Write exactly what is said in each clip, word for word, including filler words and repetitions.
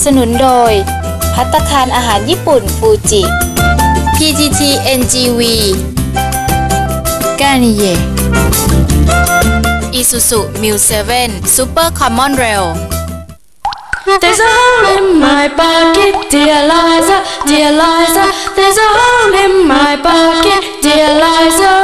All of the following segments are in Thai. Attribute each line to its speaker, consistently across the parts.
Speaker 1: สนุนโดยภัตตาคารอาหารญี่ปุ่นฟูจิ พี ที ที เอ็น จี วี กานิเย่ Isuzu มิว เซเว่น Super Common Rail
Speaker 2: There's a hole in my pocket, dear Liza, dear Liza. There's a hole in my pocket, dear Liza.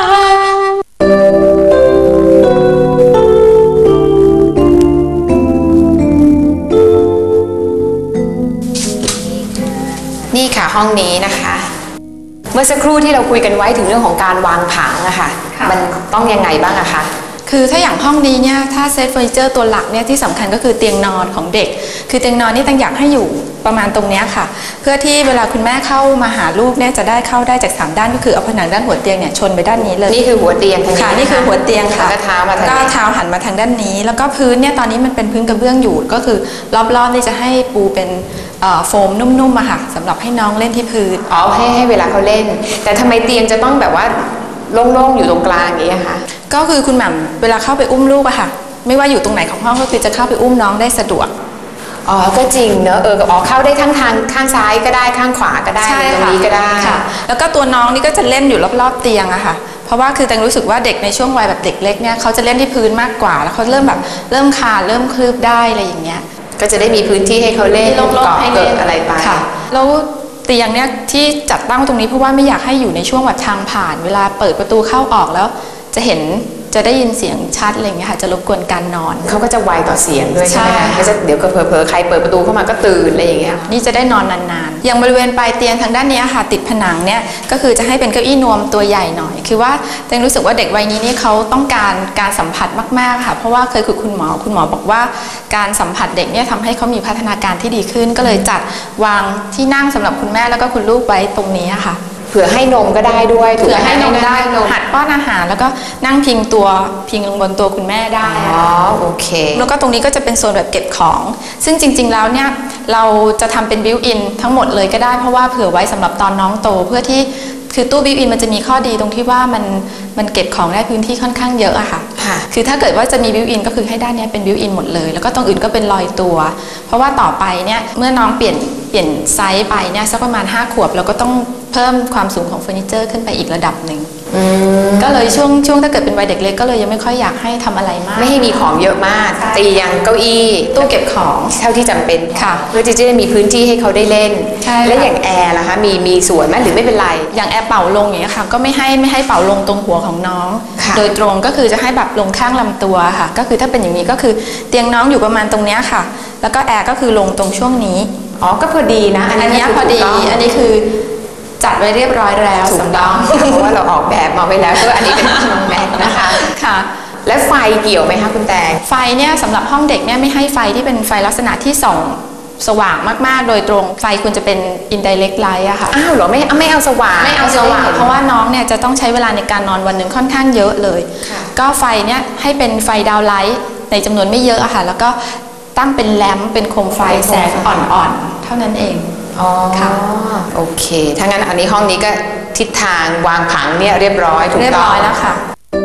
Speaker 3: นี่ค่ะห้องนี้นะคะเมื่อสักครู่ที่เราคุยกันไว้ถึงเรื่องของการวางผังอะค่ะมันต้องยังไงบ้างอะคะ
Speaker 4: คือถ้าอย่างห้องนี้เนี่ยถ้าเซตเฟอร์นิเจอร์ตัวหลักเนี่ยที่สำคัญก็คือเตียงนอนของเด็กคือเตียงนอนนี่ตั้งอยากให้อยู่ประมาณตรงนี้ค่ะเพื่อที่เวลาคุณแม่เข้ามาหาลูกเนี่ยจะได้เข้าได้จากสามด้านก็คือเอาผนังด้านหัวเตียงเนี่ยชนไปด้านนี้เลย
Speaker 3: นี่คือหัวเตียงค่ะ
Speaker 4: นี่คือหัวเตียงค่ะ
Speaker 3: ก็เท้ามาทาง
Speaker 4: ก็เท้าหันมาทางด้านนี้แล้วก็พื้นเนี่ยตอนนี้มันเป็นพื้นกระเบื้องอยู่ก็คือรอบๆนี่จะให้ปูเป็นโฟมนุ่มๆอะค่ะสำหรับให้น้องเล่นที่พื้น
Speaker 3: อ๋อให้ให้เวลาเขาเล่นแต่ทำไมเตียงจะต้องแบบว่าโล่งๆอยู่ตรงกลางอย่างนี้ค่ะ
Speaker 4: ก็คือคุณหม่ำเวลาเข้าไปอุ้มลูกอะค่ะไม่ว่าอยู่ตรงไหนของห้องก็คือจะเข้าไปอุ้มน้องได้สะดวก
Speaker 3: อ๋อก็จริงเนอะเอออ๋อเข้าได้ทั้งทางข้างซ้ายก็ได้ข้างขวาก็ได้ตรงนี้ก็ได้
Speaker 4: ค่ะแล้วก็ตัวน้องนี่ก็จะเล่นอยู่รอบๆเตียงอะค่ะเพราะว่าคือแตงรู้สึกว่าเด็กในช่วงวัยแบบเด็กเล็กเนี่ยเขาจะเล่นที่พื้นมากกว่าแล้วเขาเริ่มแบบเริ่มคลานเริ่มคลืบได้อะไรอย่างเงี้ย
Speaker 3: ก็จะได้มีพื้นที่ให้เขาเล่น
Speaker 4: เกาะ
Speaker 3: เกิดอะไรไป
Speaker 4: ค่ะแล้วเตียงเนี่ยที่จัดตั้งตรงนี้เพราะว่าไม่อยากให้อยู่ในช่วงแบบทางผ่านเวลาเปิดประตูเข้าออกแล้วจะเห็นจะได้ยินเสียงชัดอะไรอย่างเงี้ยค่ะจะรบกวนการนอน
Speaker 3: เขาก็จะไวต่อเสียงด้วยใช่ไหมคะก็จะเดี๋ยวเผลอๆใครเปิดประตูเข้ามาก็ตื่นอะไรอย่างเงี้ย
Speaker 4: นี่จะได้นอนนานๆอย่างบริเวณปลายเตียงทางด้านนี้ค่ะติดผนังเนี่ยก็คือจะให้เป็นเก้าอี้นวมตัวใหญ่หน่อยคือว่าแตงรู้สึกว่าเด็กวัยนี้นี่เขาต้องการการสัมผัสมากๆค่ะเพราะว่าเคยคุยคุณหมอคุณหมอบอกว่าการสัมผัสเด็กเนี่ยทำให้เขามีพัฒนาการที่ดีขึ้นก็เลยจัดวางที่นั่งสำหรับคุณแม่แล้วก็คุณลูกไว้ตรงนี้ค่ะ
Speaker 3: เผื่อให้นมก็ได้ด้วย
Speaker 4: เผื่อให้นมได้หัดป้อนอาหารแล้วก็นั่งพิงตัวพิงลงบนตัวคุณแม่ได้
Speaker 3: อ๋อโอเค
Speaker 4: แล้วก็ตรงนี้ก็จะเป็นโซนแบบเก็บของซึ่งจริงๆแล้วเนี่ยเราจะทำเป็นบิวอินทั้งหมดเลยก็ได้เพราะว่าเผื่อไว้สำหรับตอนน้องโตเพื่อที่คือตู้บิวอินมันจะมีข้อดีตรงที่ว่ามันมันเก็บของได้พื้นที่ค่อนข้างเยอะอะค่ะคือถ้าเกิดว่าจะมีบิวอินก็คือให้ด้านนี้เป็นบิวอินหมดเลยแล้วก็ตรงอื่นก็เป็นลอยตัวเพราะว่าต่อไปเนี่ยเมื่อน้องเปลี่ยนเปลี่ยนไซส์ไปเนี่ยสักประมาณห้าขวบเราก็ต้องเพิ่มความสูงของเฟอร์นิเจอร์ขึ้นไปอีกระดับหนึ่งก็เลยช่วงช่วงถ้าเกิดเป็นวัยเด็กเล็กก็เลยยังไม่ค่อยอยากให้ทำอะไรมาก
Speaker 3: ไม่ให้มีของเยอะมากเตียงเก้าอี้
Speaker 4: ตู้เก็บของ
Speaker 3: เท่าที่จำเป็น
Speaker 4: ค่ะ
Speaker 3: เพื่อที่จะได้มีพื้นที่ให้เขาได้เล่นและอย่างแอร์ล่ะคะมีมีส่วนไหมหรือไม่เป็นไร
Speaker 4: อย่างแอร์เป่าลงอย่างนี้ค่ะก็ไม่ให้ไม่ให้เป่าลงตรงหัวของน้องโดยตรงก็คือจะให้แบบลงข้างลำตัวค่ะก็คือถ้าเป็นอย่างนี้ก็คือเตียงน้องอยู่ประมาณตรงนี้ค่ะแล้วก็แอร์ก็คือลงตรงช่วงนี้
Speaker 3: อ๋อก็พอดีนะ
Speaker 4: อันนี้พอดีอันนี้คือจัดไว้เรียบร้อยแล้ว
Speaker 3: ถูกต้องเพราะว่าเราออกแบบมาไว้แล้วก็อันนี้เป็นน้องแม็กนะคะ
Speaker 4: ค่ะ
Speaker 3: และไฟเกี่ยวไหมคะคุณแตง
Speaker 4: ไฟเนี่ยสำหรับห้องเด็กเนี่ยไม่ให้ไฟที่เป็นไฟลักษณะที่ส่องสว่างมากๆโดยตรงไฟควรจะเป็น indirect light อะค่ะ
Speaker 3: อ้าวเหรอไม่ไม่เอาสว่าง
Speaker 4: ไม่เอาสว่างเพราะว่าน้องเนี่ยจะต้องใช้เวลาในการนอนวันหนึ่งค่อนข้างเยอะเลยก็ไฟเนี่ยให้เป็นไฟดาวไลท์ในจำนวนไม่เยอะอะค่ะแล้วก็ตั้งเป็นแลมป์เป็นโคมไฟแสงอ่อนๆเท่านั้นเอง
Speaker 3: อ๋อค่ะโอเคถ้างั้นอันนี้ห้องนี้ก็ทิศทางวางผังเนี่ยเรียบร้อยถูกต้อง
Speaker 4: เรียบร้อยแล้วค่ะ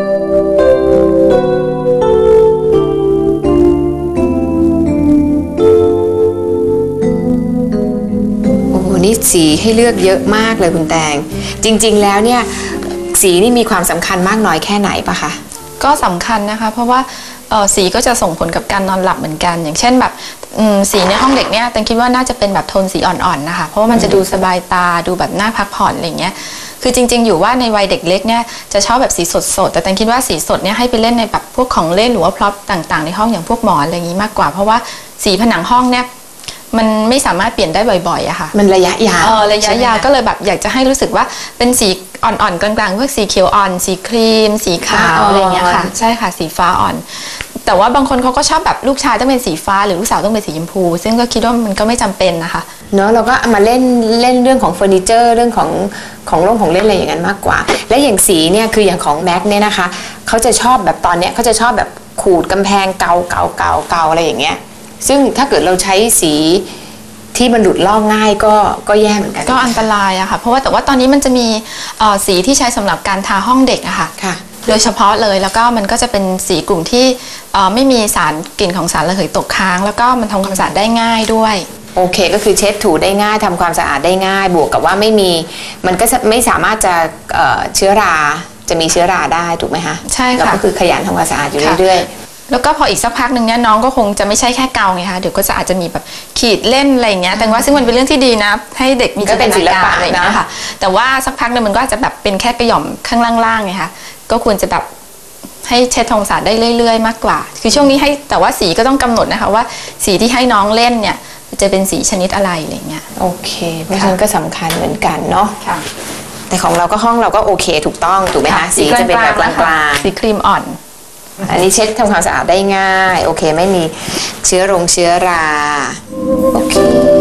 Speaker 3: โอ้โหนี่สีให้เลือกเยอะมากเลยคุณแตงจริงๆแล้วเนี่ยสีนี่มีความสำคัญมากน้อยแค่ไหนปะคะ
Speaker 4: ก็สำคัญนะคะเพราะว่าสีก็จะส่งผลกับการนอนหลับเหมือนกันอย่างเช่นแบบสีในห้องเด็กเนี่ยแต่คิดว่าน่าจะเป็นแบบโทนสีอ่อนๆนะคะเพราะว่ามันจะดูสบายตาดูแบบน่าพักผ่อนอะไรเงี้ยคือจริงๆอยู่ว่าในวัยเด็กเล็กเนี่ยจะชอบแบบสีสดๆแต่แต่คิดว่าสีสดเนี่ยให้ไปเล่นในแบบพวกของเล่นหรือว่าพร็อพต่างๆในห้องอย่างพวกหมอนอะไรอย่างนี้มากกว่าเพราะว่าสีผนังห้องเนี่ยมันไม่สามารถเปลี่ยนได้บ่อยๆอะค่ะ
Speaker 3: มันระยะยาว
Speaker 4: เออระยะยาวก็เลยแบบอยากจะให้รู้สึกว่าเป็นสีอ่อนๆกลางๆพวกสีเขียวอ่อนสีครีมสีขาวอะไรเงี้ยค่ะใช่ค่ะสีฟ้าอ่อนแต่ว่าบางคนเขาก็ชอบแบบลูกชายต้องเป็นสีฟ้าหรือลูกสาวต้องเป็นสีชมพูซึ่งก็คิดว่ามันก็ไม่จำเป็นนะคะ
Speaker 3: เนอะเราก็มาเล่นเล่นเรื่องของเฟอร์นิเจอร์เรื่องของของโล่งของเล่นอะไรอย่างนั้นมากกว่าและอย่างสีเนี่ยคืออย่างของแม็กเนี่ยนะคะเขาจะชอบแบบตอนเนี้ยเขาจะชอบแบบขูดกำแพงเกาเกาเกาเกาอะไรอย่างเงี้ยซึ่งถ้าเกิดเราใช้สีที่มันหลุดลอกง่ายก็ก็แย่เหมือนกัน
Speaker 4: ก็อันตรายอะค่ะเพราะว่าแต่ว่าตอนนี้มันจะมีสีที่ใช้สำหรับการทาห้องเด็กอะค่ะโดยเฉพาะเลยแล้วก็มันก็จะเป็นสีกลุ่มที่ไม่มีสารกลิ่นของสารระเหยตกค้างแล้วก็มันทำความสะอาดได้ง่ายด้วย
Speaker 3: โอเคก็คือเช็ดถูได้ง่ายทำความสะอาดได้ง่ายบวกกับว่าไม่มีมันก็ไม่สามารถจะเชื้อราจะมีเชื้อราได้ถูกไหมคะ
Speaker 4: ใช่ค่ะ
Speaker 3: แล้วก็คือขยันทำความสะอาดอยู่เรื่อย
Speaker 4: ๆแล้วก็พออีกสักพักหนึ่งเนี่ยน้องก็คงจะไม่ใช่แค่เกาไงคะเดี๋ยวก็จะอาจจะมีแบบขีดเล่นอะไรอย่างเงี้ยแต่ว่าซึ่งมันเป็นเรื่องที่ดีนะให้เด็กมีจินตนาการอะไรอย่างเงี้ยค่ะแต่ว่าสักพักหนึ่งมันก็อาจจะแบบเป็นแค่กระหย่อมข้างล่างๆไงคะก็ควรจะแบบให้เช็ดทำความสะอาดได้เรื่อยๆมากกว่าคือช่วงนี้ให้แต่ว่าสีก็ต้องกำหนดนะคะว่าสีที่ให้น้องเล่นเนี่ยจะเป็นสีชนิดอะไรอะไรเงี้ย
Speaker 3: โอเคเพราะฉะนั้นก็สำคัญเหมือนกันเนาะแต่ของเราก็ห้องเราก็โอเคถูกต้องถูกไหมคะสีจะเป็นแบบกลาง
Speaker 4: ๆสีครีมอ่อน
Speaker 3: อันนี้เช็ดทำความสะอาดได้ง่ายโอเคไม่มีเชื้อรงเชื้อราโอเค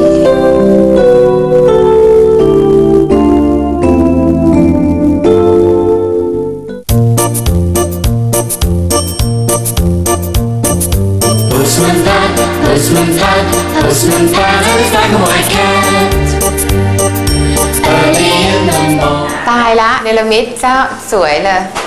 Speaker 5: Postman Pat, Postman Pat, Postman Pat is like a white cat. Early in the morning.
Speaker 3: ตายละเนรมิตเจ้าสวยเลย